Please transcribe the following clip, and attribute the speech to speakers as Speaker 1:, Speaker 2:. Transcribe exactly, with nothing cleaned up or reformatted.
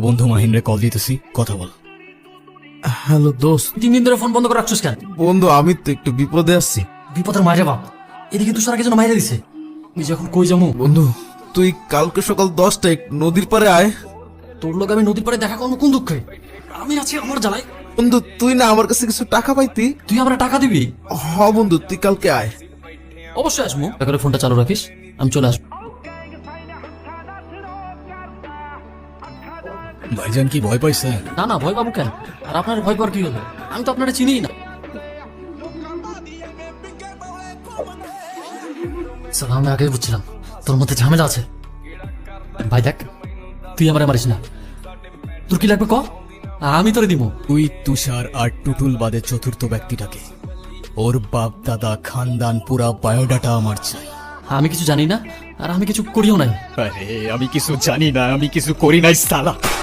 Speaker 1: বন্ধু মাহিন্দ্রে কল দিতেছি, কথা বল।
Speaker 2: হ্যালো দোস্ত।
Speaker 3: তিন দিন ধরে ফোন বন্ধ করে রাখছিস কেন?
Speaker 2: বন্ধু আমি তো একটু বিপদে আছি।
Speaker 3: বিপদের মায়ের বাপ, এদিকে তুষার আগে যেন মাইরে দিছে। তুই যখন কই যামু?
Speaker 2: বন্ধু তুই কালকে সকাল দশটায় নদীর পারে আয়।
Speaker 3: তোর লোক আমি নদীর পাড়ে দেখা করবো কোন দুঃখে? আমি আছি আমার জ্বালাই।
Speaker 2: বন্ধু তুই না আমার কাছে কিছু টাকা পাইতি।
Speaker 3: তুই আমরা টাকা দিবি?
Speaker 2: হ বন্ধু তুই কালকে আয়।
Speaker 3: অবশ্যই আসবো। করে ফোনটা চালু রাখিস, আমি চলে আসবো।
Speaker 1: ভাইজান কি ভয় পাইছে?
Speaker 3: না না, ভয় পাবো কেন? আর আপনার ভয় পাওয়ার কি হলো? আমি তো আপনারা চিনিই না। স্যার, আমি আগেই বুঝছিলাম তোর মধ্যে ঝামেলা আছে। ভাই দেখ, তুই আমার মারিস না। তোর কি লাগবে ক, আমি তোরে দিব।
Speaker 1: তুই তুষার আর টুটুল বাদে চতুর্থ ব্যক্তিটাকে, ওর বাপ দাদা খানদান পুরা বায়োডাটা আমার চাই।
Speaker 3: আমি কিছু জানি না, আর আমি কিছু করিও নাই।
Speaker 1: আরে আমি কিছু জানি না, আমি কিছু করি নাই সালা।